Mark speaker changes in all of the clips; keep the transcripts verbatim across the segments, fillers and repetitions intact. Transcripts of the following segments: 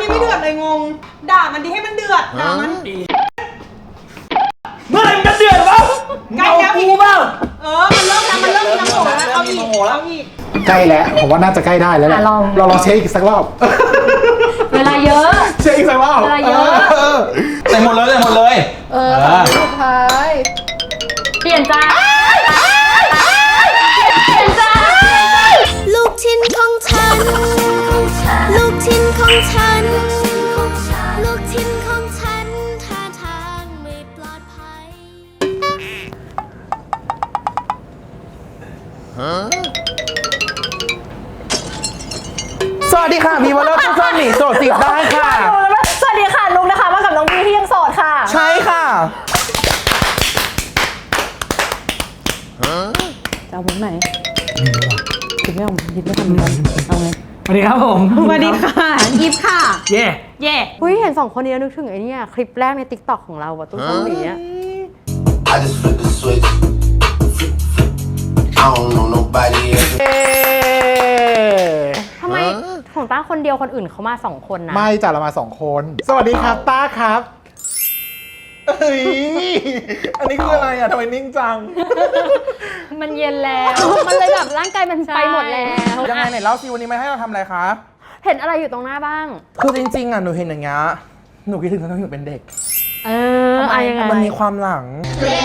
Speaker 1: นี้ไม่เดือดเลยงงด่ามันดีให้มันเดือดด่ามัน
Speaker 2: เมื่อไหร่มันจะเดือดวะใกล้แล้วพี่เปล่า
Speaker 1: เออมันเริ่มแล้วมันเริ่มมีน้ำโหแล้วเอาอีกเอาอีก
Speaker 3: ใกล้แล้วผมว่าน่าจะใกล้ได้แล้วแหละเราลองเช็คอีกสักรอบ
Speaker 4: เวลาเยอะ
Speaker 3: เช็คอีกสักรอบ
Speaker 4: เวลาเยอะ
Speaker 2: ใส่หมดเลยใส่หมดเลย
Speaker 4: เออสุดท้ายเปลี่ยนใจเปลี่ยนใจ
Speaker 5: ลูกชิ้นของฉันลูกชิ้นของฉันลูกชิ้นของฉันท่าทางไม่ปลอดภัย
Speaker 2: สวัสดีค่ะมีวันเลิกทุกท่านหนีโสดจีบได้ค่ะ
Speaker 4: สวัสดีค่ะนุ๊กนะคะมากับน้องบีที่ยังโสดค่ะ
Speaker 2: ใช่ค่ะ
Speaker 4: จะเอามุกไหนคิดไม่ออกคิดไม่ทำเหมือนกันเอาไง
Speaker 2: สวัสดีครับผม
Speaker 1: สวัสดีค่ะยิปค่ะ
Speaker 2: เย่
Speaker 1: เย่
Speaker 4: เฮ้ยเห็นสองคนนี้นึกถึงไอ้นี่คลิปแรกใน ติ๊กต็อก ของเราอะตุ้งตุ้งหนีอะทำไมของต้าคนเดียวคนอื่นเขามาสองคนนะ
Speaker 3: ไม่จ้ะเรามาสองคนสวัสดีครับต้าครับเอ้ยอันนี้คืออะไรอ่ะทำไมนิ่งจัง
Speaker 4: มันเย็นแล้วมันเลยแบบร่างกายมันไปหมดแล้ว
Speaker 2: ยังไงไหนเล่าสิวันนี้มาให้เราทำอะไรคะ
Speaker 4: เห็นอะไรอยู่ตรงหน้าบ้าง
Speaker 2: คือจริงๆอ่ะหนูเห็นอย่างเงี้ยหนูคิดถึงตอนที่หนูเป็นเด็ก
Speaker 4: เออทำไมยังไง
Speaker 2: มันมีความหลัง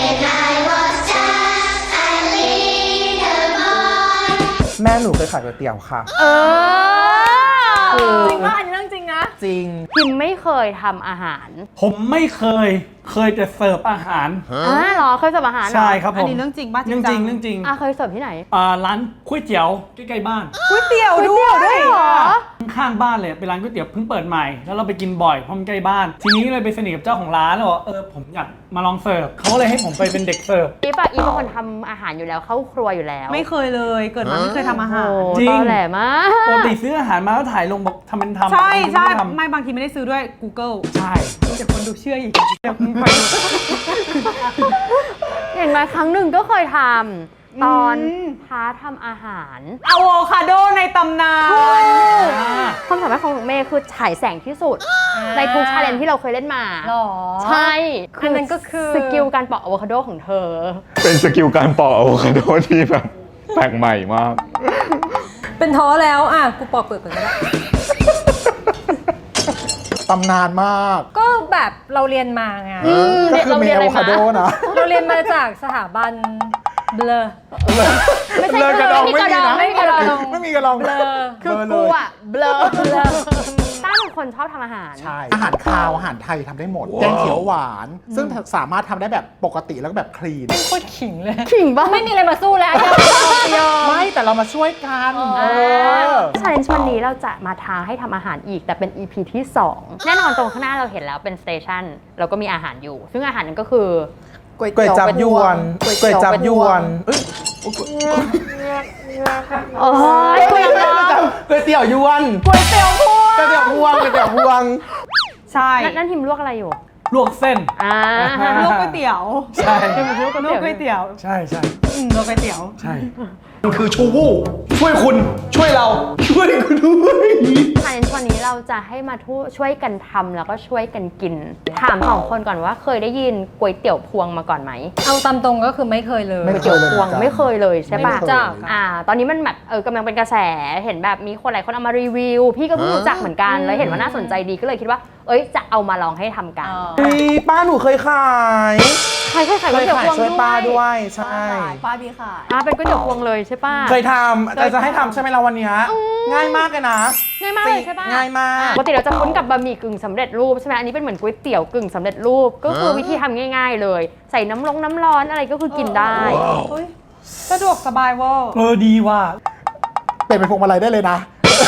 Speaker 2: แม่หนูเคยขายก๋วยเตี๋ยวค่ะ
Speaker 4: เออจริงป่ะอันนี้เรื่องจริงนะ
Speaker 2: จริง
Speaker 4: พิมไม่เคยทำอาหาร
Speaker 6: ผมไม่เคยเคยแต่เสิร์ฟอาหาร
Speaker 4: อ๋อเหรอเคยเสิร์ฟอาหาร
Speaker 6: ใช่ครับผม
Speaker 1: อันนี้เรื่องจริงป่ะ
Speaker 6: เรื่องจริงเรื่องจริง
Speaker 4: อ่ะเคยเสิร์ฟที่ไหน
Speaker 6: อ่าร้านก๋วยเตี๋ยวใกล้ๆบ้าน
Speaker 1: ก๋วยเตี๋ยวด้วย
Speaker 4: เหรอ
Speaker 6: ข้างบ้านเลยเป็นร้านก๋วยเตี๋ยวเพิ่งเปิดใหม่แล้วเราไปกินบ่อยเพราะมันใกล้บ้านทีนี้เลยไปสนิทกับเจ้าของร้านแล้วบอกเออผมอยากมาลองเสิร์ฟเขาเลยให้ผมไปเป็นเด็กเสิร์ฟ
Speaker 4: อีปะอีเป็นคนทำอาหารอยู่แล้วเข้าครัวอยู่แล้ว
Speaker 1: ไม่เคยเลยเกิดมาไม่เคยทำอาหาร
Speaker 4: จริงแหลมาก
Speaker 6: ปกติซื้ออาหารมาแล้วถ่ายลงบอกทำเป็นทำ
Speaker 1: ใช่ใช่ไม่บางทีไม่ได้ซื้อด้วย Google
Speaker 6: ใช่
Speaker 1: เดี๋ยวคนดูเชื่ออีกเดี๋ยวคุณไป
Speaker 4: เห็นไหมครั้งหนึ่งก็เคยทำตอนพาทำอาหาร
Speaker 1: อะโวคาโดในตำนาน
Speaker 4: ความสามารถของเมย์คือฉายแสงที่สุดในทุกชาเลนจ์ที่เราเคยเล่นมา
Speaker 1: หรอ
Speaker 4: ใช่
Speaker 1: อันนั้นก็คือ
Speaker 4: สกิลการปอกอะโวคาโดของเธอ
Speaker 3: เป็นสกิลการปอกอะโวคาโดที่แบบแปลกใหม่มาก
Speaker 1: เป็นท้อแล้วอ่ะกูปอกเปลือกก่อนก็ได้
Speaker 3: ตำนานมาก
Speaker 1: ก็แบบเราเรียนมาไง
Speaker 3: ก็คือเมย์อะโวคาโดนะ
Speaker 1: เราเรียนมาจากสถาบันเบลอ
Speaker 4: ไม่ใช่
Speaker 3: กระดองไม่มีนะ
Speaker 4: ไม่มีกระดอง
Speaker 3: ไม่มีกระดอง
Speaker 4: เบลอคือกูอะเบลอต้าเป็นคนชอบทำอาหาร
Speaker 3: ใช่อาหารคาวอาหารไทยทำได้หมดแกงเขียวหวานซึ่งสามารถทำได้แบบปกติแล้วก็แบบคลีน
Speaker 1: เป็นโคตรขิงเลย
Speaker 4: ขิงบ้า
Speaker 1: ไม่มีอะไรมาสู้แล้ว
Speaker 3: ไม่แต่เรามาช่วยกัน
Speaker 4: ชาเลนจ์วันนี้เราจะมาท้าให้ทำอาหารอีกแต่เป็น อี พี ที่สองแน่นอนตรงข้างหน้าเราเห็นแล้วเป็นสเตชันเราก็มีอาหารอยู่ซึ่งอาหารนั้นก็คือ
Speaker 2: ก๋วยจับยวนก๋วยจับยวน
Speaker 4: โอ้ยก๋วยเตี๋ยว
Speaker 2: ก๋วยเตี๋ยวยวน
Speaker 4: ก๋วยเตี๋ยวพวง
Speaker 2: ก๋วยเตี๋ยวพวงก๋วยเตี๋ยวพวง
Speaker 1: ใช่
Speaker 4: นั่นทีมลวกอะไรอยู่
Speaker 6: ลวกเส้น
Speaker 4: อ่า
Speaker 1: ลวกก๋วยเตี๋ยว
Speaker 6: ใช่
Speaker 1: ลวกก๋วยเตี๋ยว
Speaker 6: ใช่ใช่
Speaker 1: ลวกก๋วยเตี๋ยว
Speaker 6: ใช่มันคือชูวูช่วยคุณช่วยเราช่วยคุณด้วย
Speaker 4: ชาเลนจ์วันนี้เราจะให้มาช่วยกันทำแล้วก็ช่วยกันกินถามสองคนก่อนว่าเคยได้ยินก๋วยเตี๋ยวพวงมาก่อนไหม
Speaker 1: เอาตามตรงก็คือไม่เคยเลย
Speaker 3: ก๋วย
Speaker 4: เตี๋ยวพวงไม่เคยเลยใช่ปะ
Speaker 1: จ้ะ
Speaker 4: อ่าตอนนี้มันแบบเออกำลังเป็นกระแสเห็นแบบมีคนหลายคนเอามารีวิวพี่ก็เพิ่งรู้จักเหมือนกันแล้วเห็นว่าน่าสนใจดีก็เลยคิดว่าเอ้ยจะเอามาลองให้ทำกัน
Speaker 2: ป้าหนูเคยขาย
Speaker 4: ใครเคยขายก๋วยเตี๋ยวพวง
Speaker 2: ช่วยป้าด้วยใช่
Speaker 1: ป้าพี่ขาย
Speaker 4: อ่าเป็นก๋วยเตี๋ยวพวงเลยใช่ป่ะ
Speaker 2: เคยทำแต่จะให้ทำใช่ไหมเราวันนี้ง่ายมากเลยนะ
Speaker 4: ง่ายมากเลยใช่ป่ะ
Speaker 2: ง่ายมาก
Speaker 4: ปกติเราจะคุ้นกับบะหมี่กึ่งสำเร็จรูปใช่ไหมอันนี้เป็นเหมือนก๋วยเตี๋ยวกึ่งสำเร็จรูปก็คือวิธีทำง่ายๆเลยใส่น้ำลงน้ำร้อนอะไรก็คือกินได้
Speaker 1: สะดวกสบายว่า
Speaker 6: เออดีว่ะ
Speaker 3: เป็นเป็นพวงมาลัยได้เลยนะ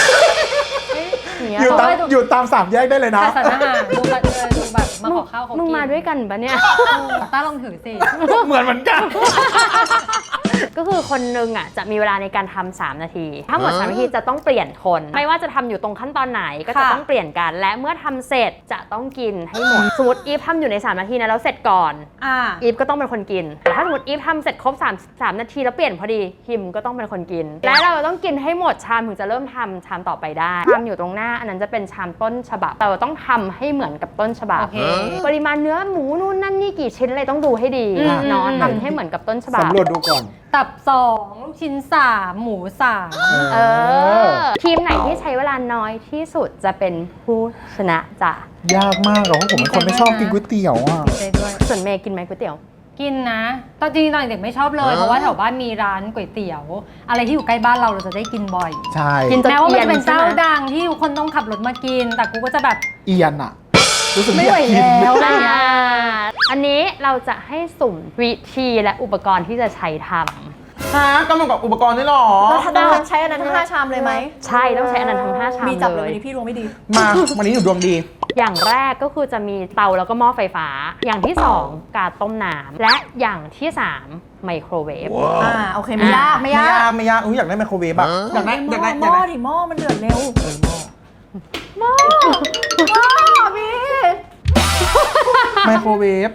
Speaker 3: อยู่ตามอยู่ตามสามแยกได้เลยนะ
Speaker 1: สารอาหารดูแบบดูแบบมาขอข้าวเขากิน
Speaker 4: มึงมาด้วยกันปะเนี่ย
Speaker 1: ต้าลองถือสิ
Speaker 2: เหมือนเหมือนกัน
Speaker 4: ก็คือคนนึงอ่ะจะมีเวลาในการทำสามนาที ถ้าหมดสามนาทีจะต้องเปลี่ยนคน ไม่ว่าจะทำอยู่ตรงขั้นตอนไหนก็จะต้องเปลี่ยนกัน และเมื่อทำเสร็จจะต้องกินให้หมด สมมติอีฟทำอยู่ในสามนาทีนะแล้วเสร็จก่อน
Speaker 1: อ่า
Speaker 4: อีฟก็ต้องเป็นคนกินแต่ถ้าสมมติอีฟทำเสร็จครบสาม สามนาทีแล้วเปลี่ยนพอดีฮิมก็ต้องเป็นคนกิน และเราต้องกินให้หมดชามถึงจะเริ่มทำชามต่อไปได้ชามอยู่ตรงหน้าอันนั้นจะเป็นชามต้นฉบับเราต้องทำให้เหมือนกับต้นฉบับ
Speaker 1: โอเค
Speaker 4: ปริมาณเนื้อหมูนู่นนั่นนี่กี่ชิ้นอะไรต้องดูให้ดี
Speaker 1: อืม
Speaker 4: เนาะ
Speaker 1: อืม
Speaker 4: ทำให้เหมือนกับต้นฉบับ
Speaker 3: สำรวจดูก่อน
Speaker 1: ตับสองลูกชิ้นสามหมูสาม
Speaker 4: เออทีมไหนที่ใช้เวลาน้อยที่สุดจะเป็นผู้ชนะจ้ะ
Speaker 3: ยากมากอะเพราะผมเป็นคนไม่ชอบกินก๋วยเตี๋ยวอ่ะ
Speaker 1: ดีใจด้วย
Speaker 4: ส่วนเมย์กินไหมก๋วยเตี๋ยว
Speaker 1: กินนะ ตอนจริงๆตอนเด็กไม่ชอบเลย เพราะว่าแถวบ้านมีร้านก๋วยเตี๋ยว อะไรที่อยู่ใกล้บ้านเราเราจะได้กินบ่อย
Speaker 3: ใช่
Speaker 4: กิน
Speaker 1: แม้ว่ามันจะเป็น
Speaker 4: ใช่
Speaker 1: เจ้า
Speaker 4: ไหม
Speaker 1: ดังที่ทุกคนต้องขับรถมากิน แต่กูก็จะแบบ
Speaker 3: เอียนอะรู้สึก
Speaker 1: ไม่
Speaker 3: ไม่
Speaker 1: ไหว
Speaker 3: อยากกิน
Speaker 1: แล้ว
Speaker 4: อ่าอันนี้เราจะให้สุ่มวิธีและอุปกรณ์ที่จะใช้ท
Speaker 2: ฮะกำลังกับอุปกรณ์นี่หรอ
Speaker 7: แล้วถ้าต้องใช้อันนั้นทั้งห้าชามเลยไหม
Speaker 4: ำใช่ต้องใช้อันนั้นทั้งห้าชาม
Speaker 7: มีจับเล
Speaker 4: เลย ย
Speaker 7: วันนี้พี่ดวงไม่ดี
Speaker 2: มาวันนี้หนูดวงดี
Speaker 4: อย่างแรกก็คือจะมีเตาแล้วก็หม้อไฟฟ้า อย่างที่สองการต้มน้ำและอย่างที่สามไมโครเวฟ
Speaker 7: อ่า โอเค ไม่ยาก ไม่
Speaker 2: ไม่
Speaker 7: ยาย
Speaker 2: าก กไม่ยากอุ้ยอยากได้ไมโครเวฟอะอยากได้อยากได้
Speaker 7: ห
Speaker 2: อยาก
Speaker 7: ม้อ
Speaker 2: ได้
Speaker 7: ดิหม้อมันเดือดเร็ว
Speaker 2: เออหม้อ
Speaker 7: หม้อพี่
Speaker 2: ไมโครเวฟ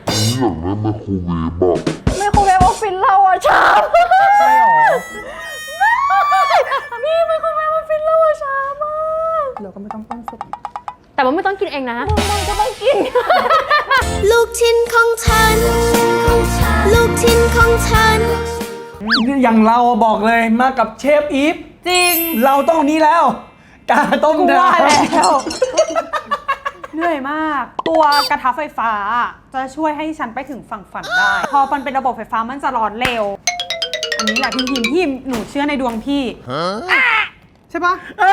Speaker 7: ไมโครเวฟออฟฟิศเราอะชาม
Speaker 2: ใช่หรอ
Speaker 7: พี่ไมโครเวฟออฟฟิศเราอะชามอะ
Speaker 2: เราก็ไม่ต้องต้มสุก
Speaker 4: แต่ว่าไม่ต้องกินเองนะ
Speaker 7: มึงก็ต้องกิน
Speaker 5: ลูกชิ้นของฉัน ลูกชิ้นของฉัน
Speaker 6: อย่างเราบอกเลยมากับเชฟอีฟ
Speaker 1: จริง
Speaker 6: เราต้องนี้แล้ว กาต้ม
Speaker 1: กู
Speaker 6: น้
Speaker 1: ว่าแล้ว
Speaker 6: ำ
Speaker 1: เหนื่อยมาก ตัวกระทะไฟฟ้าจะช่วยให้ฉันไปถึงฝั่งฝันได้ พอมันเป็นระบบไฟฟ้ามันจะร้อนเร็ว อันนี้แหละพี่หิมพี่หิมหนูเชื่อในดวงพี่ใช่ปะ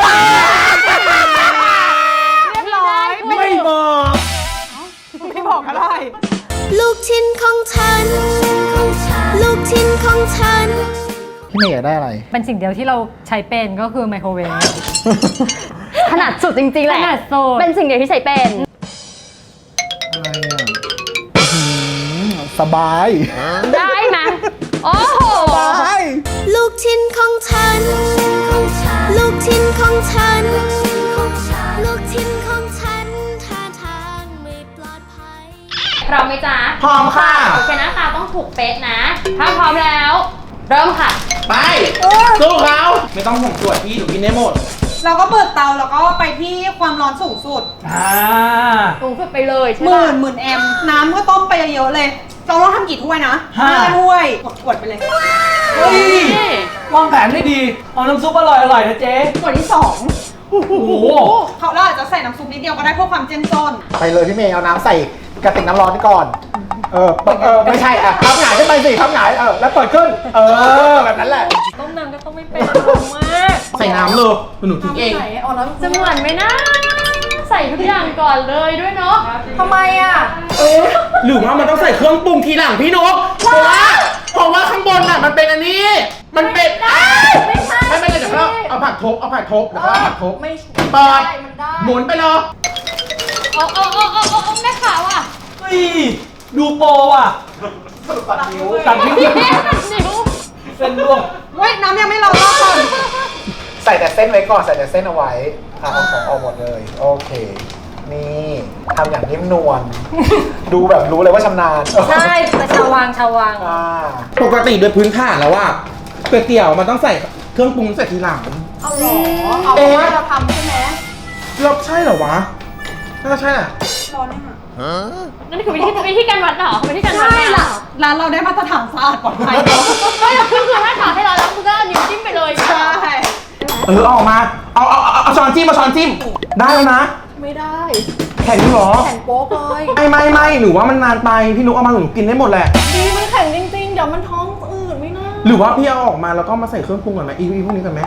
Speaker 1: เรียบร้อย
Speaker 6: ไม่บอก
Speaker 1: ไม่บอกก็ได้
Speaker 5: ลูกชิ้นของฉัน ลูกชิ้นของฉัน
Speaker 3: พี่เมย์อยากได้อะไร
Speaker 1: เป็นสิ่งเดียวที่เราใช้เป็นก็คือไมโครเวฟ
Speaker 4: ขนาดสุดจริงๆแหละ
Speaker 1: ขนาดสุด
Speaker 4: เป็นสิ่งเดียวที่ใช้เป็น
Speaker 3: อะไรอ่ะอื้อหือสบาย
Speaker 4: ได้ไหมโอ้โห
Speaker 3: สบาย
Speaker 5: ลูกชิ้นของฉัน ลูกชิ้นของฉัน ลูกชิ้นของฉันท่าทางไม่ปลอดภัย
Speaker 4: พร้อมไหมจ๊ะ
Speaker 2: พร้อมค่ะ
Speaker 4: โอเคหน้าตาต้องถูกเป๊ะนะ ถ้าพร้อมแล้ว เริ่มค่ะ
Speaker 2: ไปสู้เขาไม่ต้องห่วงตรวจพี่หนูกินได้หมด
Speaker 1: เราก็เปิดเตาแล้วก็ไปที่ความร้อนสูงสุด
Speaker 6: อ่า
Speaker 4: สูงสุดไปเลยใช่
Speaker 1: ห
Speaker 4: ไหม
Speaker 1: มื่นหมื่นแอมป์น้ำก็ต้มไปเยอะๆเลย เราต้องทำกี่ถ้วยนะ
Speaker 6: ห้า
Speaker 1: ถ้วยกดๆไปเลย
Speaker 6: เฮ้ย วางแผนได้ดี เอาน้ำซุปอร่อยอร่อยๆนะเจ๊
Speaker 1: ขวดที่สอง
Speaker 6: โอ้โห
Speaker 1: เขาเราอาจจะใส่น้ำซุปนิดเดียวก็ได้เพื่อความเจ้มจน
Speaker 3: ไปเลยพี่เมย์เอาน้ำใส่กระติกน้ำร้อนก่อน เออเปิดเออไม่ใช่อ่ะทับหงายขึ้นไปสิทับหงายเออแล้วเปิดขึ้น เออแบบนั้นแหละ
Speaker 1: ต้มน้ำก็ต้องไม่เป็นมาก
Speaker 2: ใส่น้ำเลยหนูทิ้งเอง
Speaker 7: ไหนอ๋อแล้ว
Speaker 4: จะเหมือนไหมนะ ใส่ทุกอย่างก่อนเลยด้วยเนาะ
Speaker 7: ทำไมอะ
Speaker 2: เออหรือว่ามันต้องใส่เครื่องปรุงทีหลังพี่นกเพราะว่าเพราะว่าข้างบนอ่ะมันเป็นอันนี้ มันเป็นอ้าว
Speaker 7: ไม่ใช่
Speaker 2: ไม่ไม่เลยเดี๋ยวเราเอาผักทบเอาผักทบเดี๋ยวเราเอาผักทบ
Speaker 7: ไม่
Speaker 2: เปิด
Speaker 7: ได้มันได้
Speaker 2: หมุนไปเลย
Speaker 4: โอ้โอ้โอ้โอ้โอ้แม่ขาวอ่ะ
Speaker 6: เฮ้ย ดูโปรอ่ะ
Speaker 3: ตัดนิ้ว
Speaker 6: ตัดนิ้ว
Speaker 4: นิ้ว
Speaker 6: เส้นร่วง
Speaker 1: เว้ยน้ำยังไม่ร้อนรอบก่อน
Speaker 3: ใส่แต่เส้นไว้ก่อนใส่แต่เส้นเอาไว้อ่ะเอาของออกหมดเลย โอเค นี่ทำอย่างนิ่มนวล ดูแบบรู้เลยว่าชำนาญ
Speaker 1: ใช่แต่ชาววังชาววัง
Speaker 3: อ่า
Speaker 2: ปกติโดยพื้นฐานแล้วว่าก๋วยเตี๋ยวมันต้องใส่เครื่องปรุงใส่ทีหลัง
Speaker 7: เอาเหรอ เอาเพราะว่าเราทำใช่ไหม
Speaker 2: เราใช่เหรอวะน่าจะใช่น่ะ
Speaker 1: ร้อนยังอ่ะ
Speaker 4: นั่นคือวิธีวิธีการวัดเหรอวิธีการวัด
Speaker 1: ใช่ล่ะร้านเราได้มาตรฐานสะอาดปลอดภัย
Speaker 4: ไม่คือคือถ้าถอดให้เราแล้วมึงก็เอานิ้วจิ้มไปเลย
Speaker 1: ใช่
Speaker 2: เออเอาออกมา เอาเอาเอาเอาช้อนจิ้มเอาช้อนจิ้ม ได้แล้วนะ
Speaker 7: ไม่ได้
Speaker 2: แข็งอยู่เหรอ
Speaker 7: แข็งโป๊กเลย
Speaker 2: ไม่ไม่ไม่หนูว่ามันนานไป พี่นุกเอามาหนูกินได้หมดแหละ
Speaker 7: ดีมันแข็งจริงๆ เดี๋ยวมันท้องอืดไม่น่า
Speaker 2: หรือว่าพี่เอาออกมาแล้วก็มาใส่เครื่องปรุงก่อนไหมอีอีพวกนี้ก่อนไหม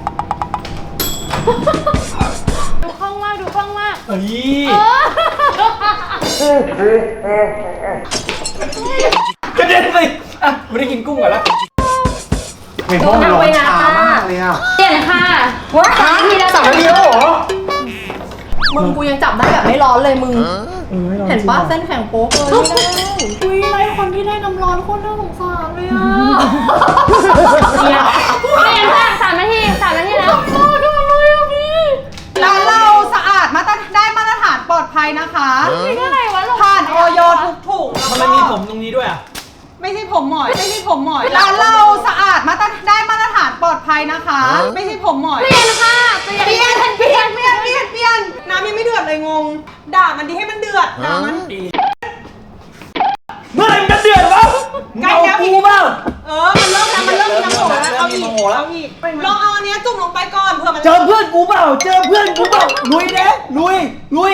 Speaker 4: ดูคล่องมากดูคล่องมาก
Speaker 6: เฮ้ย กระเด็นเลยอ่ะไม่ได้กินกุ้งก่อนแล้ว
Speaker 3: เห็นว่ามันร้อนช้ามากเลยอ่ะ
Speaker 4: เปลี่ยนค่ะว้าสามนาทีแล้ว
Speaker 3: สามนาทีแล้วเหรอ
Speaker 7: มึงกูยังจับได้แบบไม่ร้อนเลยมึงเห็นปะเส้นแข็งโป๊กเลยไม่ได้อุ้ยไรคนที่ได้น้ำร้อนโคตรน่าสงสารเลยอ่ะ
Speaker 4: เดี๋ยวเปลี่ยนค่ะสามนาทีสามนาทีแล้ว
Speaker 1: ร้านเราสะอาดมาตรได้มาตรฐานปลอดภัยนะคะ
Speaker 4: นี่ก็อะไรวะ
Speaker 1: ผ่านออยทุกถุง
Speaker 6: ทำไมมีผมตรงนี้ด้วยอ่ะ
Speaker 1: ไม่ใช่ผมหมอยไม่ใช่ผมหมอยร้านเราสะอาดมาตรได้มาตรฐานปลอดภัยนะคะ ไม่ใช่ผมหมอย
Speaker 4: เปลี่ยนค่ะเปลี่ยน
Speaker 1: เปลี่ยนเปลี่ยนเปลี่ยนเปลี่ยนเปลี่ยนน้ำยังไม่เดือดเลยงง ด่ามันดีให้มันเดือดด่ามัน
Speaker 6: เมื่อไหร่มันจะเดือดวะ
Speaker 1: ใกล้
Speaker 6: เอา
Speaker 1: แล้ว
Speaker 6: กูเปล่า
Speaker 1: เออมันเริ่มแล้วมันเริ่มมีน้ำโหแล้วเอาอีก
Speaker 6: มีน้ำโหแล้ว
Speaker 1: เอาอีกลองเอาอันเนี้ยจุ่มลงไปก่อนเผื่อมัน
Speaker 6: เจอเพื่อนกูเปล่า เจอเพื่อนกูเปล่า ลุยเด้ลุย ลุย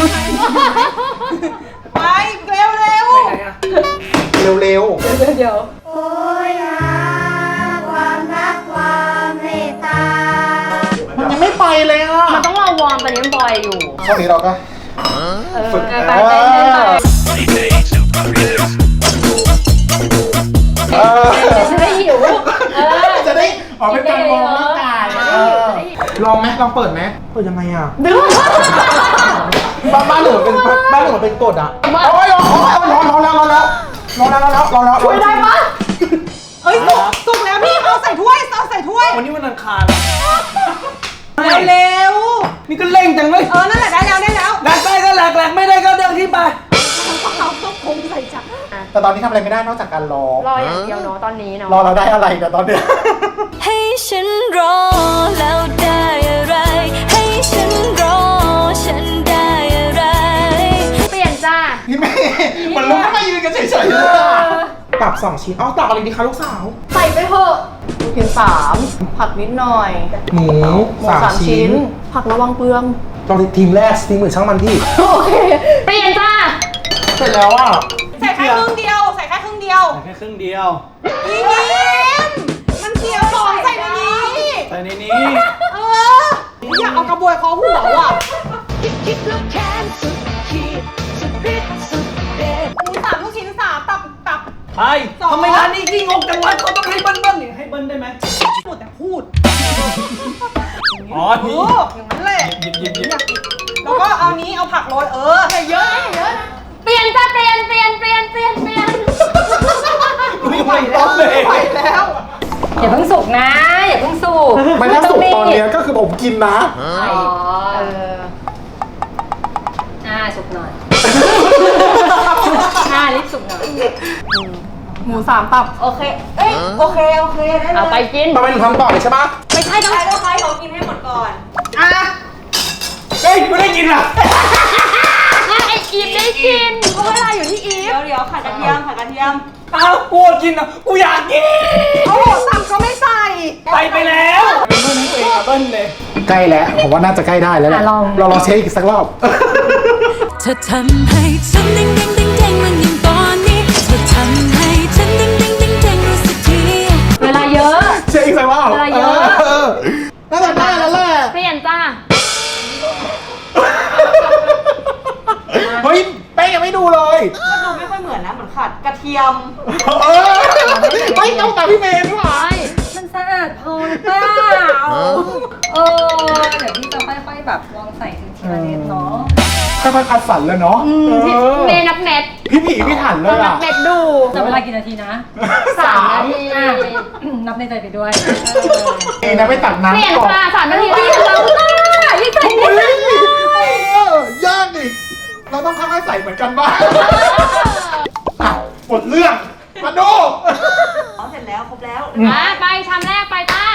Speaker 1: ไปเร็วเร็ว
Speaker 6: ไหนอะ
Speaker 3: เร็ว
Speaker 5: โอ้ยหาความรักความเมตตา
Speaker 3: ๆ มันยังไม่ไปเลยอ่ะ
Speaker 4: มันต้องรอวอร์มตอนนี้มันบอยอยู่
Speaker 3: ช่วงนี้เราก็
Speaker 4: เออ
Speaker 3: ฝึก
Speaker 4: ไปเต้นเต้นไป
Speaker 3: เออ
Speaker 4: จะได้หิวเออ
Speaker 3: จะได้ออกเป็นการวอร์มร่างกาย
Speaker 4: จะได้
Speaker 3: เอ
Speaker 4: หิว
Speaker 3: อ
Speaker 4: จะได้หิว
Speaker 3: ลองไหมลองเปิดไหมเปิดยังไงอ่ะบ้านบ้านหนูเป็นบ้านหนูเป็นกฎอ่ะโอ้ยร้อนร้อนร้อนแล้วร้อนแล้วร้อนแล้วร้อนแล้วร้อนแล้วช่วยได้ปะ
Speaker 1: เอ้ยสุกสุกแล้วพี่เอาใส่ถ้วยเอาใส่ถ้วย
Speaker 6: วันนี้วันอังคาร
Speaker 1: เร็วเร็ว
Speaker 6: นี่ก็เร่งจังเลย
Speaker 1: เออนั่นแหละได้แล้วได้แล้ว
Speaker 6: แหลกได้ก็แหลกแหลกไม่ได้ก็เดินที่ไป
Speaker 1: เอาต้องคงใส่จ้ะ
Speaker 3: แต่ตอนนี้ทำอะไรไม่ได้นอกจากการรอ
Speaker 4: รออย่างเดียวเนาะตอนนี้เนาะ
Speaker 3: รอเราได้อะไรแต่ตอนเนี้ย
Speaker 5: ให้ฉันรอแล้วได้อะไร ให้ฉันรอฉันได้อะไร
Speaker 4: เปลี่ยนจ้า
Speaker 3: พี่เมย์มันลุกขึ้นมายืนกันเฉยๆเลยอะตับสองชิ้นเอาตับอะไรดีคะลูกสาว
Speaker 7: ใส่ไปเถอะลูกชิ้นสามผักนิดหน่อย
Speaker 3: หมู
Speaker 7: หมูสามชิ้น ผักระวังเปลือง
Speaker 3: ลองทีมแรกทีมอื่นช่างมันที่
Speaker 7: โอเค
Speaker 4: เปลี่ยนจ้า
Speaker 3: เสร็จแล้วอ่ะ
Speaker 1: ใส่แค่ครึ่งเดียวใส่แค่ครึ่งเดียว
Speaker 6: ใส่แค่ครึ่งเดียว
Speaker 1: พี่ยิ้มมันเสียของใส่ในนี้
Speaker 6: ใส่ในนี้
Speaker 1: เอออยากเอากระบวยคอหัวว่ะ
Speaker 5: คิดแล้วแค้นสุดขีดสุดฤทธิ์สุดเดช
Speaker 1: หมูสามลูกชิ้นสามตับตับ
Speaker 6: ไปทำไมร้านนี้ขี้งกจังวะเขาต้องให้เบิ้ลๆนี่ให้เบิ้ลได้ไหม
Speaker 1: พูดแต่พูด
Speaker 6: อ๋อ
Speaker 1: โอ้
Speaker 6: นี่
Speaker 1: อย่างนั้นแหละ
Speaker 6: หยิบหยิบหยิบ
Speaker 1: อยากกินแล้วก็เอานี้เอาผักโรยเออใส่เยอะนะเยอะนะ
Speaker 4: เปลี่ยนจ้าเปลี่ยนเปลี่ยนเปลี่ยนเปลี่ยนเปลี่ยน
Speaker 6: ไม่ไหวแล้วเลย
Speaker 1: ไม่ไหวแล้ว
Speaker 4: อย่าเพิ่งสุกนะอย่าเพิ่งสุก
Speaker 3: มันถ้าสุกตอนเนี้ยก็คือผมกินนะ
Speaker 4: อ๋อเอออ่าสุกหน่อยอ่ารีบสุกหน่อย
Speaker 7: หมูสามตับ
Speaker 1: โอเคเอ้ยโอเคโอเคได้เลย
Speaker 4: เอาไปกิน
Speaker 3: ทำไมหนูทำต่อเลยใช่ปะ
Speaker 1: ไม่ใช่ต้องใช้ต้องใช้เขากินให้หมดก่อนอ่ะ
Speaker 6: เฮ้ยไม่ได้กินอ่ะ
Speaker 4: ไออีฟได้กินเพราะเวลาอยู่ที่อีฟ
Speaker 1: เดี๋ยวเดี๋ยวผัดกระเทียมผัดกระเทียม
Speaker 6: อ้าวกูกินอ่ะกูอยากกิน
Speaker 1: โอ้โหสั่งก็ไม่ใส่
Speaker 6: ไปไปแล้วเป็นเบิ้ลให้ตัวเองอะเบิ้ลเลย
Speaker 3: ใกล้แล้วผมว่าน่าจะใกล้ได้แล้วแหละเราลองเช็คอีกสักรอบ
Speaker 5: เธอทำให้ฉันเด้งเด้งเด้งเด้งมันอย่างตอนนี้เธอทำให้ฉันเด้งเด้งเด้งเด้งรู้สึกที
Speaker 4: เวลาเยอะ
Speaker 3: เช็คอีกสักรอบ
Speaker 4: เวลาเยอะ
Speaker 3: เออน่าจะได้แล้วแหละ
Speaker 4: เปลี่ยนจ้า
Speaker 3: เฮ้ยแป้งยังไม่ดูเลย
Speaker 1: ก็ดูไม่ค่อยเหมือนนะเหมือนขาดกระเทียม
Speaker 3: เออเฮ้ยต้องตามพี่เมย์ด้วยว่ะ
Speaker 8: มันสะอาดพอหรือเปล่า เออ เดี๋ยวพี่จะค่อยๆแบบลองใส่ทีละนิดเนาะ
Speaker 3: ค่อยๆคัดสรรแล้วเนาะเออ
Speaker 4: เมย์นับเม็ด
Speaker 3: พี่ผีพี่ถันเลย
Speaker 4: นับ
Speaker 3: อ่ะ
Speaker 4: เม็ดดู
Speaker 8: จะเวลากี่นาทีนะ
Speaker 4: สามนาที
Speaker 8: อ่ะนับในใจไปด้วย
Speaker 3: เองนะไปตัก
Speaker 4: เปลี่ยน
Speaker 3: น้ำก่อน
Speaker 4: จ้าสามนาทีแล้วเรารีบใส่
Speaker 3: เฮ้
Speaker 4: รีบ
Speaker 3: ย
Speaker 4: ใส่
Speaker 3: เออยากดิเราต้องค่อยๆใส่เหมือนกันบ้างอ่ะหมดเรื่องมาดู
Speaker 1: อ๋อเสร็จแล้วครบแล้ว
Speaker 4: อ่ะไปชามแรกไปจ้า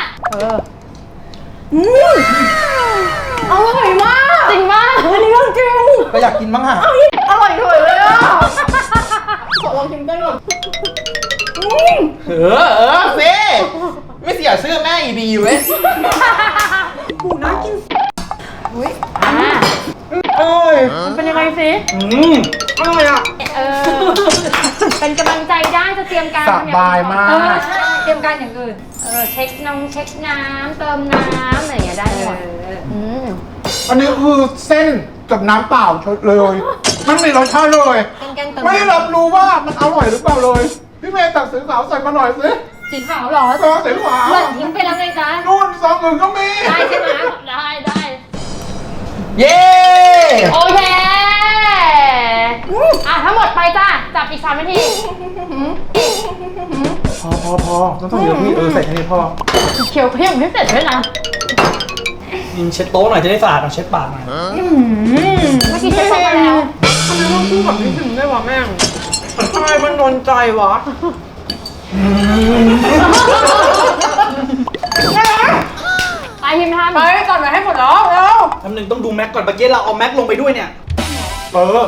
Speaker 7: อร่อยมาก
Speaker 4: จริงมาก
Speaker 7: อันนี้เรื่องจริง
Speaker 3: ก็อยากกินบ้างอ่ะ
Speaker 7: อร่อยเถอะเลยอ่ะ ขอลองชิมได้ก่อน
Speaker 3: เออเออเซ่ไม่เสียชื่อแม่อีบีเว้ย
Speaker 1: หูน่ากิน
Speaker 4: อ่ะ
Speaker 3: โอ้ย
Speaker 4: มันเป็นยังไงสิ
Speaker 6: อืม
Speaker 3: อร่อยอ่ะ
Speaker 4: เออ เป็นกำลังใจได้จะเตรียมการ
Speaker 3: สบายมา
Speaker 8: เออก ใช่เตรียมการอย่างอื่น
Speaker 4: เออเช็คน้องเช็คน้ำเติมน้ำอะไรอย่างเงี้ยได้หมดอืม
Speaker 3: อันนี้คือเส้นกับน้ำเปล่าเลยมันมีรสชาติเลย
Speaker 8: แกงๆเติม
Speaker 3: ไม่รับรู้ว่ามันอร่อยหรือเปล่าเลย พี่เมย์ตักสีขาวใส่มาหน่อยสิ
Speaker 8: สีขาวเหรอ
Speaker 3: ซองสีขาว
Speaker 8: หล่อนทิ้งไปแล้วไงจ๊ะ
Speaker 3: นู่นซองอื่นก็มี
Speaker 4: ได้ใช่ไหมได้ได้
Speaker 3: เย้
Speaker 4: โอเค
Speaker 3: อพอต้องต้องเยอะพี่เออใส่แค่นี้พอ
Speaker 4: เคี้ยวเพี้ยงไม่เสร็จด้วยนะ
Speaker 6: ยิงเช็ดโต๊ะหน่อยจะได้สะอาดเอาเช็ดปากหน่อย
Speaker 4: เมื่อกี้เช็ดโต๊ะมาแล้ว
Speaker 1: ทำไมต้องพูดกับพี่พิมได้วะแม่งทำไมมันโดนใจวะ
Speaker 4: ไปพิมพ์ทำ
Speaker 1: ไปก่อนไปให้หมดแล้วแล้ว
Speaker 6: ทำหนึ่งต้องดูแม็กก่อนเมื่อกี้เราเอาแม็กลงไปด้วยเนี่ย
Speaker 3: เออ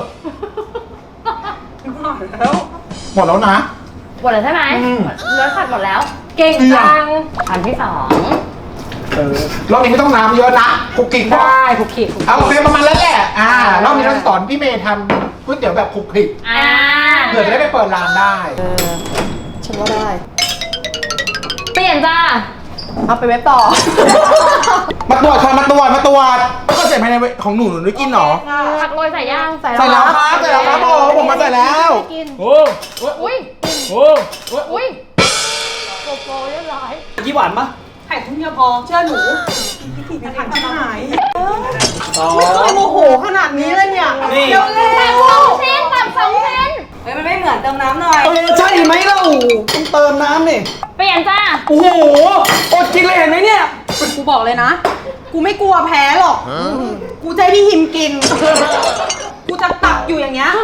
Speaker 3: หมดแล้วนะ
Speaker 4: หมดแล้วใช่ไหม
Speaker 3: อืม
Speaker 4: เนื้อสัตว์หมดแล้ว
Speaker 8: เก่งจัง
Speaker 4: อันที่สอง
Speaker 3: เออรอบนี้ไม่ต้องน้ำเยอะนะคุกกิ้งพอ
Speaker 8: ได้คุกกี้คุก
Speaker 3: เอาโอเคประมาณนั้นแหละอ่ารอบนี้เราสอนพี่เมย์ทำก๋วยเตี๋ยวแบบคลุกคลิก
Speaker 4: อ่า
Speaker 3: เผื่อจะได้ไปเปิดร้านได้
Speaker 7: ฉันว่าได้
Speaker 4: เปลี่ยนจ้า
Speaker 7: เอาไปเว็บต่อ
Speaker 2: มาตรวจค่ะมาตรวจมาตรวจแล้วก็ใส่ภายในของหนูหนูได้กินเหรอ
Speaker 4: ผักโรยใส่ย่าง
Speaker 7: ใส่
Speaker 2: ใส่แล้วครับใส่แล้วครับผมผมมาใส่แล้ว
Speaker 6: โอ้
Speaker 4: อุ้ย
Speaker 6: โอ้
Speaker 4: อุ้ยโกโก้เรียบร้อย
Speaker 6: ยี่หวานปะ
Speaker 1: ไข่ทุ่งเดียวพอเชื่อหนูพี่พิมจะหาย
Speaker 6: อ๋อ
Speaker 1: ไม่เคยโมโหขนาดนี้เลยเนี่ย
Speaker 6: นี่
Speaker 1: เร็วเร็
Speaker 4: ตัด
Speaker 1: ว
Speaker 4: สองชิ้นตัดสองชิ้น
Speaker 8: เฮ้ยมันไม่เหมือนเติมน้ำหน่อย
Speaker 6: เออใช่ไหมเราต้องเติมน้ำนี่
Speaker 4: เปลี่ยนจ้า
Speaker 6: โอ้โหอดกินเลยเห็นไหมเนี่ย
Speaker 1: กูบอกเลยนะ กูไม่กลัวแพ้หรอก กูจะให้พี่หิมกิน กูจะตักอยู่อย่างเงี้ย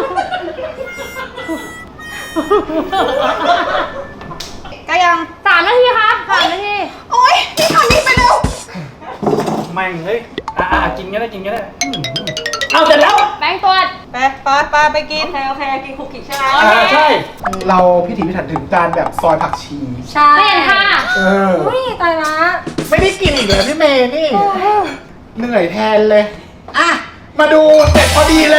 Speaker 1: ก็ยัง
Speaker 4: สามนาทีครับสามนาที
Speaker 1: โอ๊ยพี่ทำนี่ไปเร็ว
Speaker 6: แม่งเฮ้ยอ่ากินก็ได้กินก็ได้อืมเอาเสร็จแล้ว
Speaker 4: แบงค์ตรวจ
Speaker 1: ไปไปไปไปกิน
Speaker 8: โอเคโอเคกินคุกกี้ใช่ไหม
Speaker 4: โอเค
Speaker 6: อ่าใช่
Speaker 3: เราพิถีพิถันถึงการแบบซอยผักชี
Speaker 8: ใช่
Speaker 4: เปลี่ยนค่ะ
Speaker 3: เออ
Speaker 8: อุ้ยตายละ
Speaker 3: ไม่ได้กินอีกเลยพี่เมย์นี่ เหนื่อยแทนเลย อ่ะ มาดูเสร็จพอดีเลย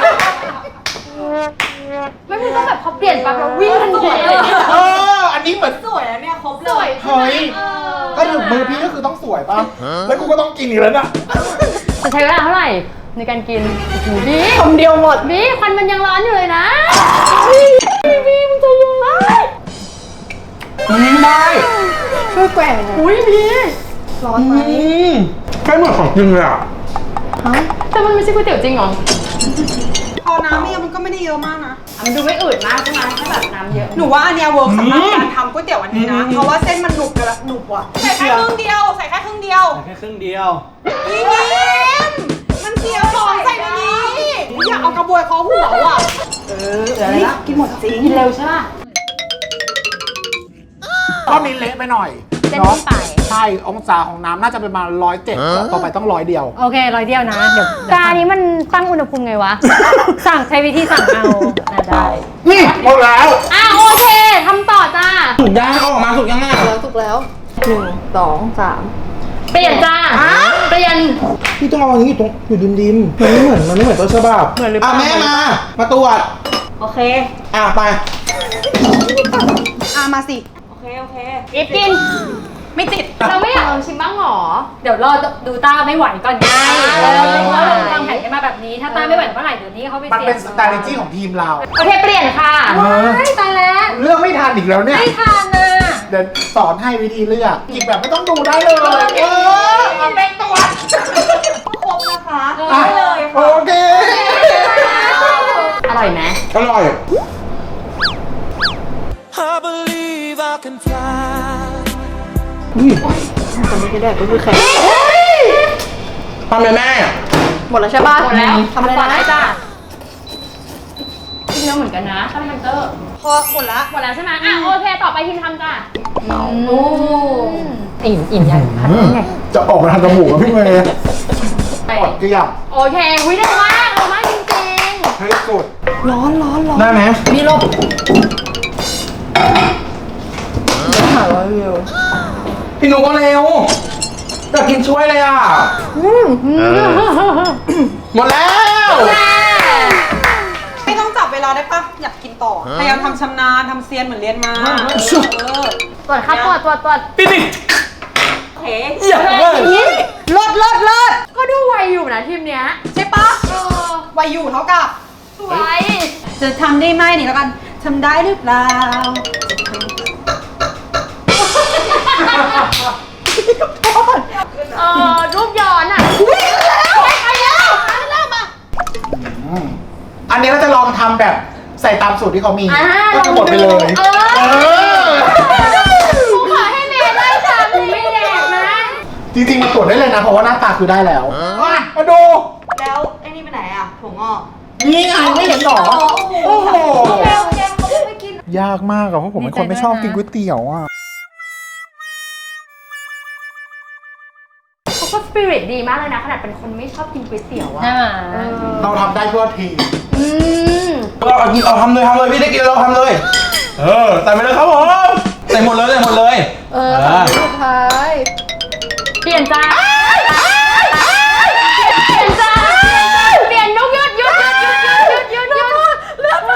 Speaker 4: ไม่มีต้องแบบพอเปลี่ยนปั๊บเราวิ่งทันที
Speaker 3: เออ อันนี้เหมือน
Speaker 8: สวยนะเนี่ยครบ
Speaker 4: ส
Speaker 8: เล
Speaker 4: วย
Speaker 8: ย
Speaker 3: เฮ้ย
Speaker 4: เออ
Speaker 3: ก็ถึงมือพี่ก็คือต้องสวยป่ะ แล้วกูก็ต้องกินอีกแล้วนะ
Speaker 4: จะใช้เวลาเท่าไหร่ในการกินโอ้โหบี
Speaker 7: คำเดียวหมด
Speaker 4: บีควันมันยังร้อนอยู่เลยนะบีบีมันจะยังไง
Speaker 3: อืมได้
Speaker 7: ช่วยแกว่งหน่อย
Speaker 4: อุ้ยบี
Speaker 7: ร้อนไหม
Speaker 3: อืมใกล้เหมือนของจริงเลยอ่ะ
Speaker 4: แต่มันไม่ใช่ก๋วยเตี๋ยวจริงเหรอ
Speaker 1: พอน้ำเนี่ยมันก็ไม่ได้เยอะมากนะ
Speaker 4: อ่ะมันดูไม่อืดมากใช่ไหมถ้าแบบน้ำเยอะ
Speaker 1: หนูว่าอันเนี้ยเวิร์กสำหรับการทำก๋วยเตี๋ยววันนี้นะ เพราะว่าเส้นมันหนุบกันละหนุบว่ะ ใส่แค่ครึ่งเดียว ใส่แค่ครึ่งเดียว
Speaker 6: ใส่แค่ครึ่งเดียว
Speaker 1: พี่พิมมันเสียของใส่ในนี้อยากเอากระบวยเคอหัวว่ะ
Speaker 7: เออเหลืออะไรละกินหมดจริง
Speaker 4: กินเร็วใช่ป่ะ
Speaker 3: รอบนี้เละไปหน่อย
Speaker 4: เส้น
Speaker 3: เนาะ
Speaker 4: ขึ้นไป
Speaker 3: ใช่ องศาของน้ำน่าจะเป็นประมาณร้อยเจ็ดต่อไปต้องร้อยเดียว
Speaker 8: โอเคร้อยเดียวนะ เดี๋ยว
Speaker 4: จานนี้มันตั้งอุณหภูมิไงวะ
Speaker 8: สั่งใช้วิธีสั่งเอาน่าได้
Speaker 3: นี่หมดแล้ว
Speaker 4: อ่ะโอเคทำต่อจ้า
Speaker 2: สุกยังเอาออกมาสุกยังไง
Speaker 7: แล้วถูกแล้วหนึ่งสองสาม
Speaker 4: เปลี่ยนจ้าเปลี่ยน
Speaker 2: พี่ต้องเอาอย่างนี้อยู่ตรงอยู่ดิมดิมๆมันไม่เหมือนมันไม่เหมือนต้นฉบับเหมือนหรือเปล่าอ่ะแม่มา มาตรวจ
Speaker 8: โอเค
Speaker 2: อ่ะไป
Speaker 1: อ่ะมาสิ
Speaker 8: โอเค โอเค
Speaker 4: อีฟกิน
Speaker 1: ไม่ติด
Speaker 4: เราไม่อยากลองชิมบ้างหรอ
Speaker 8: เดี๋ยวรอดูต้าไม่ไหวก่อนไง
Speaker 4: เออ
Speaker 8: เพราะเราวางแผนกันมาแบบนี้ ถ้าต้าไม่ไหวเมื่อไหร่เดี๋ยวนี้เขาไป
Speaker 3: มัน
Speaker 8: เสี่ยง
Speaker 3: เป็น strategy ของทีมเรา
Speaker 4: โอเคเปลี่ยนค่ะ
Speaker 8: ไม่ตายแล้ว
Speaker 3: เลือกไม่ทันอีกแล้วเนี่ย
Speaker 8: ไม่ทานนะ
Speaker 3: เดี๋ยวสอนให้วิธีเลือกหยิบแบบไม่ต้องดูได้เลย เออเอาเป็นตัว
Speaker 8: ครบนะคะ
Speaker 3: อ่ะ
Speaker 8: ได้เลย
Speaker 3: โอ
Speaker 8: ค่ะ
Speaker 3: เค
Speaker 4: อร่อยไหม
Speaker 2: อร่อย
Speaker 7: คนที่จะได้ก็คือแข็ง
Speaker 2: ทำเลยแม่
Speaker 7: หมดแล้วใช่ป่ะ
Speaker 4: หมดแล้ว
Speaker 7: ทำอะไร
Speaker 4: ต่อได้
Speaker 7: นะ
Speaker 4: จ้ากินเยอะเหมือนกันนะถ้ามันเตอร์
Speaker 1: พอหมดละ
Speaker 4: หมดแล้วใช่ไหมอ่ะโอเคต่อไปทีมทำจ้า
Speaker 8: อิ่มอิ่มยัง
Speaker 3: จะออกมาทางจมูกกับพี่เมย์
Speaker 4: ไป
Speaker 3: กดเกลี้ยง
Speaker 4: โอเควิเร็วมากเร็วมากจริง
Speaker 3: เฮ้ยสุด
Speaker 7: ร้อนร้อนร้อน
Speaker 2: ได้ไหม
Speaker 7: มีลมหาร้อยวิว
Speaker 2: พี่หนูก็เร็วอยากกินช่วยเลยอ่ะหมดแล้ว
Speaker 1: ไม่ต้องจับเวลาได้ปะอยากกินต่อ พยายามทำชำนาญทำเซียนเหมือนเรียนมา เออ
Speaker 4: ๆตรวจครับตรวจตรวจตรวจ
Speaker 6: ปิดดิ
Speaker 8: โอเค
Speaker 6: อย่าเลย
Speaker 1: เลิศเลิศเลิศ
Speaker 4: ก็ดูไวอยู่นะทีมเนี้ย
Speaker 1: ใช่ปะ
Speaker 4: เออ
Speaker 1: วัยอยู่เท่ากับ
Speaker 4: สวย
Speaker 1: จะทำได้ไหมนี่แล้วกันทำได้หรือเปล่า
Speaker 4: เออรูปย้อนอ่ะ
Speaker 1: ไปแล้วไปแล้วมา
Speaker 3: อันนี้เราจะลองทำแบบใส่ตามสูตรที่เขามี
Speaker 4: อ่า
Speaker 3: ก็จะหมดไปเลย
Speaker 4: เออ
Speaker 3: เออจริงๆมาตรวจได้เลยนะ เพราะว่าหน้าตาคือได้แล้วอ่ะมาดู
Speaker 8: แล้วไอ้นี่ไปไหนอ่ะถั่วงอก
Speaker 3: นี่ไงไม่เห็นหรอ โอ้โห
Speaker 8: โอเคโอเคเขาไม่กิน
Speaker 3: ยากมากอะเพราะผมเป็นคนไม่ชอบกินก๋วยเตี๋ยวอะ
Speaker 4: เขาก็สปิริตดีมากเลยนะขนาดเป็นคนไม่ชอบกินก๋วยเตี๋ยวอะ
Speaker 7: ใช่ไหม
Speaker 3: เราทำได้เพื่อทีม
Speaker 4: อืม
Speaker 2: เราเอากินเราทำเลยทำเลยพี่ได้กินเราทำเลย เออใส่ไปเลยครับผมใส่หมดเลยใส่หมดเลย
Speaker 7: เออสามสุดท้าย
Speaker 4: เปลี่ยนจ้าเปลี่ยนจ้าเปลี่ยนนุกหยุดหยุดหยุดหยุดหยุดหยุดหยุดหยุดเลือกมา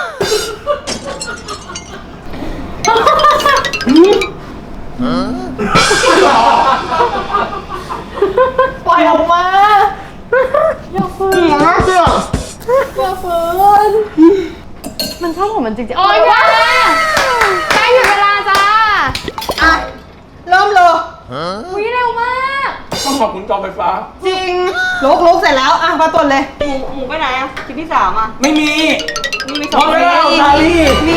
Speaker 7: ปล่อยออกมาอย่าฝืนอย่าฝืน
Speaker 4: มันชอบของมันจริงๆโอ๊ยจ้าใกล้ถึงเวลาจ้า
Speaker 1: อ่ะ เริ่มเลย
Speaker 4: อุ้ยเร็วมาก
Speaker 6: ต้องขอบคุณจอไฟฟ้า
Speaker 1: จริงลุกลุกเสร็จแล้ว อ่ะ มาตรวจเลย
Speaker 8: หมูหมูไปไหนอ่ะคลิปที่สามอ่ะ
Speaker 6: ไม่มี
Speaker 8: นี่มีส
Speaker 6: ห
Speaker 8: อ
Speaker 6: ม
Speaker 8: ง
Speaker 6: ดเวลาของชาลี
Speaker 1: มี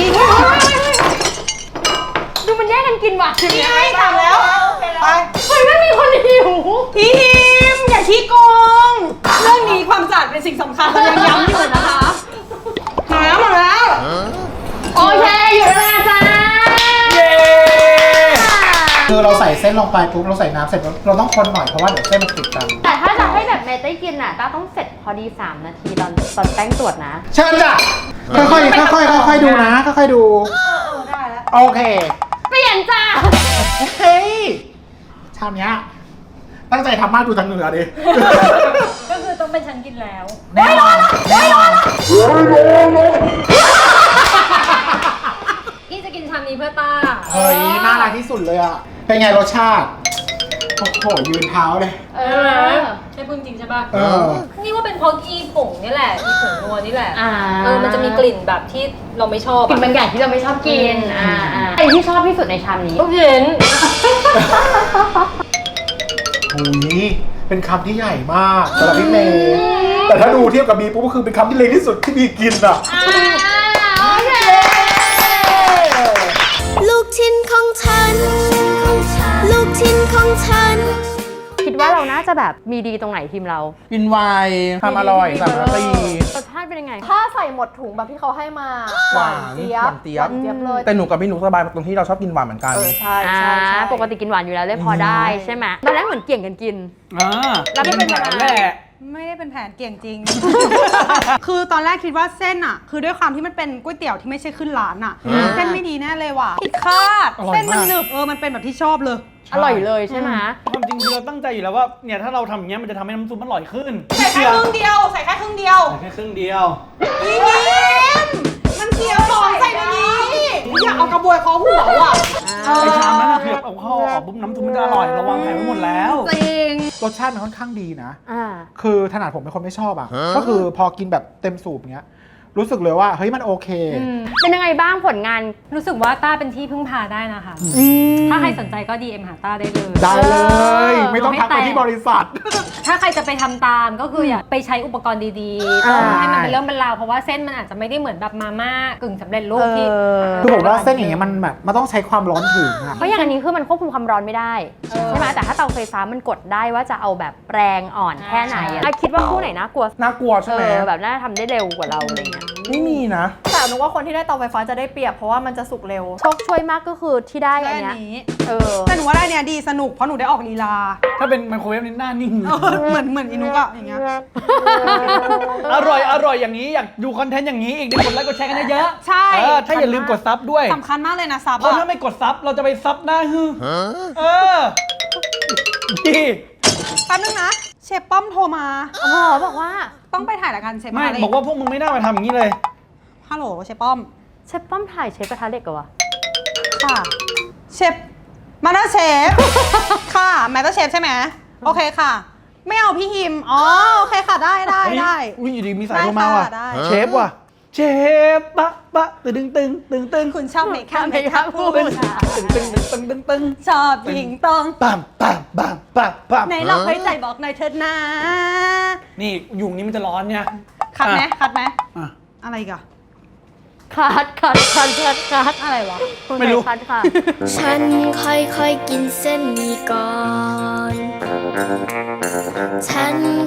Speaker 4: ดูมันแย่งกันกินว่ะ
Speaker 1: นี่ไงถามแล้ว ไป
Speaker 4: เฮ้ยไม่มีคนหิว
Speaker 1: พี่ฮิมอย่าขี้โกง เรื่องนี้ความสะอาดเป็นสิ่งสำคัญเรายังย้ำอยู่นะคะมาแล้วมาแล้ว
Speaker 4: โอเคอยู่เวลาจ้า
Speaker 6: เย้
Speaker 3: คือเราใส่เส้นลงไปปุ๊บเราใส่น้ำเสร็จเราต้องคนหน่อยเพราะว่าเดี๋ยวเส้นมันติดกัน
Speaker 4: แต่ถ้าจะให้แบบเมย์ได้กินอ่ะต้าต้องเสร็จพอดีสามนาทีตอนตอนแป้งตรวจนะ
Speaker 3: เชิญจ้ะค่อยๆค่อยๆค่อยๆดูนะค่อยๆดู
Speaker 8: ได้แล้ว
Speaker 3: โอเค
Speaker 4: เปลี่ยนจ้า
Speaker 3: เฮ้ยชามเนี้ยตั้งใจทำมากดูทางเหนือดิ
Speaker 7: ก็คือต้องเป็นฉันกินแล้ว
Speaker 3: แน่นอนแน่นอน
Speaker 7: พี่จะกินชามนี้เพื่อต้า
Speaker 3: เฮ้ยน่ารักที่สุดเลยอ่ะ เป็นไงรสชาติ โอ้โหยืนเท้าเลย
Speaker 4: เอ
Speaker 7: ใช่ไหม
Speaker 4: อ
Speaker 7: ใช่พูดจริงใช่ป่ะ
Speaker 3: เออ
Speaker 7: นี่ว่าเป็นเพราะอีผงนี่แหละอีผงนัวนี่แหละ
Speaker 4: อ่า
Speaker 7: เออ มันจะมีกลิ่นแบบที่เราไม่ชอบ
Speaker 4: กินบางอย่างที่เราไม่ชอบกิน อ่าอ่าอะไรที่ชอบที่สุดในชามนี้
Speaker 7: ลูกชิ้น
Speaker 3: หุยเป็นคำที่ใหญ่มากสำหรับพี่เมย์แต่ถ้าดูเทียบกับบีปุ๊บก็คือเป็นคำที่เล็กที่สุดที่บีกินอ่ะ
Speaker 4: อ่าโอเค
Speaker 5: ลูกชิ้นของฉัน ลูกชิ้นของฉัน
Speaker 4: คิดว่าเราน่าจะแบบมีดีตรงไหนทีมเรา
Speaker 2: กินไวน์ทำอร่อยสามนาที
Speaker 4: รสชาติเป็นยังไง
Speaker 7: ถ้าใส่หมดถุงแบบที่เขาให้มา
Speaker 2: หวาน
Speaker 7: เจี๊ย
Speaker 2: ห
Speaker 7: บ
Speaker 2: วานเจี๊ยบ
Speaker 7: หวานเจี๊ยบเลย
Speaker 2: แต่หนูกับพี่หนูสบายตรงที่เราชอบกินหวานเหมือนกัน
Speaker 7: เออใช่
Speaker 4: อ่า
Speaker 7: ใช่ใช่
Speaker 4: ปกติกินหวานอยู่แล้วเลยพอได้ใช่ไหมตอนแรกเหมือนเกี่ยงกันกิน
Speaker 6: อ่า
Speaker 4: แล้วไม่เป็นไร
Speaker 6: แหละ
Speaker 1: ไม่ได้เป็นแผนเกี่ยงจริง คือตอนแรกคิดว่าเส้นอ่ะ คือด้วยความที่มันเป็นก๋วยเตี๋ยวที่ไม่ใช่ขึ้นร้านอ่ะ เส้นไม่ดีแน่เลยว่ะผิดคาด เส้นมันหนึบ เออ มันเป็นแบบที่ชอบเลย
Speaker 4: อร่อยเลยใช่ไหม
Speaker 6: ความจริงคือเราตั้งใจอยู่แล้วว่าเนี่ยถ้าเราทำอย่างเงี้ยมันจะทำให้น้ำซุปมันอร่อยขึ้น
Speaker 1: ใส่แค่ครึ่งเดียว ใส่แค่ครึ่งเดียว
Speaker 6: ใส่แค่ครึ่งเดียว
Speaker 1: พี่ฮิมมันเสียวของใส่ในนี้อยากเอากระบวยเคอหัวว่ะ
Speaker 6: ไอชามนั้นอะคือแบบเอาเข้าออกปุ๊บน้ำซุปมันจะอร่อยเราวางแผนไว้หมดแล้ว
Speaker 1: จริง
Speaker 3: รสชาติมันค่อนข้างดีนะ
Speaker 4: อ่า
Speaker 3: คือถนัดผมเป็นคนไม่ชอบอ่ะ ก็คือพอกินแบบเต็มสูบเงี้ย รู้สึกเลยว่าเฮ้ยมันโอเค
Speaker 4: เป็นยังไงบ้างผลงาน
Speaker 7: รู้สึกว่าต้าเป็นที่พึ่งพาได้นะคะ ถ้าใครสนใจก็ ดี เอ็ม หาต้าได้เลย
Speaker 3: ได้เลย
Speaker 7: เออ
Speaker 3: ไม่ต้องทักไปที่บริษัท
Speaker 7: ถ้าใครจะไปทำตามก็คืออย่าไปใช้อุปกรณ์ดีๆต้องให้มันเป็นเรื่องเป็นราวเพราะว่าเส้นมันอาจจะไม่ได้เหมือนแบบมาม่ากึ่งสำเร็จรูปที่
Speaker 3: คือผมว่าเส้นอย่างเงี้ยมันแบบมันต้องใช้ความร้อนถึงอะ
Speaker 4: เพราะอย่างอันนี้คือมันควบคุมความร้อนไม่ได้ ใช่ไหมแต่ถ้าเตาไฟฟ้ามันกดได้ว่าจะเอาแบบแรงอ่อนแค่ไหนอะคิดว่าคู่ไหนน่ากลัว
Speaker 2: น่ากลัวใช่
Speaker 4: เอ
Speaker 2: ไหม
Speaker 4: อแบบน่าจะทำได้เร็วกว่าเราอะไรเงี้ย
Speaker 2: ไม่มีนะ
Speaker 7: แต่หนูว่าคนที่ได้เตาไฟฟ้าจะได้เปรียบเพราะว่ามันจะสุกเร็ว
Speaker 4: โชคช่วยมากก็คือที่ได้
Speaker 1: ได้
Speaker 4: อัน
Speaker 1: อัน
Speaker 4: เนี้ย
Speaker 1: นี้
Speaker 4: เออ
Speaker 1: แต่หนูว่าได้เนี่ยดีสนุกเพราะหนูได้ออกลีลา
Speaker 6: ถ้าเป็นไมโครเวฟนี่หน้านิ่ง
Speaker 1: เออเหมือนเหมือนอินุกอะอย่างเงี้ย
Speaker 6: อร่อยอร่อยอย่างนี้อยากดูคอนเทนต์อย่างนี้อีกเดี๋ยวกดไลค์กดแชร์กันเยอะๆ
Speaker 1: ใช่
Speaker 6: เออถ้าอย่าลืมกดซับด้วย
Speaker 1: สำคัญมากเลยนะซับ
Speaker 6: เพราะ
Speaker 1: อะ
Speaker 6: ถ้าไม่กดซับเราจะไปซับหน้าฮือเออดี
Speaker 1: แป๊บนึงนะ เชฟป้อมโทรมา
Speaker 4: อ๋อบอกว่า
Speaker 1: ต้องไปถ่ายรายการเชฟ
Speaker 6: ไม่
Speaker 1: มาเลย
Speaker 6: บอกว่าพวกมึงไม่น่ามาทำอย่างนี้เลย
Speaker 1: ฮัลโหลเชฟป้อม
Speaker 4: เชฟป้อมถ่ายเชฟกระทะเหล็กเหรอวะ
Speaker 1: ค่ะ เชฟมาสเตอร์เชฟ ค่ะแมสเตอร์เชฟใช่ไหมโอเคค่ะ ไม่เอาพี่ฮิม อ๋อ โอเคค่ะ ได้ได้ได้
Speaker 6: อุ้ยอยู่ดีมีสายโทรมาว่ะ
Speaker 1: ได้ค่ะได้
Speaker 6: เชฟว่ะ เชฟปะปะตึงตึงตึงตึงตึง
Speaker 1: คุณชอบเมคอัพเมคอัพพูด
Speaker 6: ตึงตึงตึงตึงตึงตึง
Speaker 1: ชอบหญิงตรง
Speaker 6: ปั๊มปั๊มปั๊มปั๊มปั๊ม
Speaker 1: ไหนเราให้ใจบอกหน่อยเถิดนะ
Speaker 6: นี่ยุงนี้มันจะร้อนเนี่ย
Speaker 1: คัดไหม
Speaker 6: อ่ะ
Speaker 1: คัดไหม
Speaker 6: อ่ะ
Speaker 1: อะไรอีกอะ
Speaker 4: คัดคัดคัดคัดคัด
Speaker 1: อะไรวะ
Speaker 6: ไม่รู้
Speaker 4: คัดค่ะ
Speaker 5: ฉันค่อยๆกินเส้นหมี่ก่อนฉัน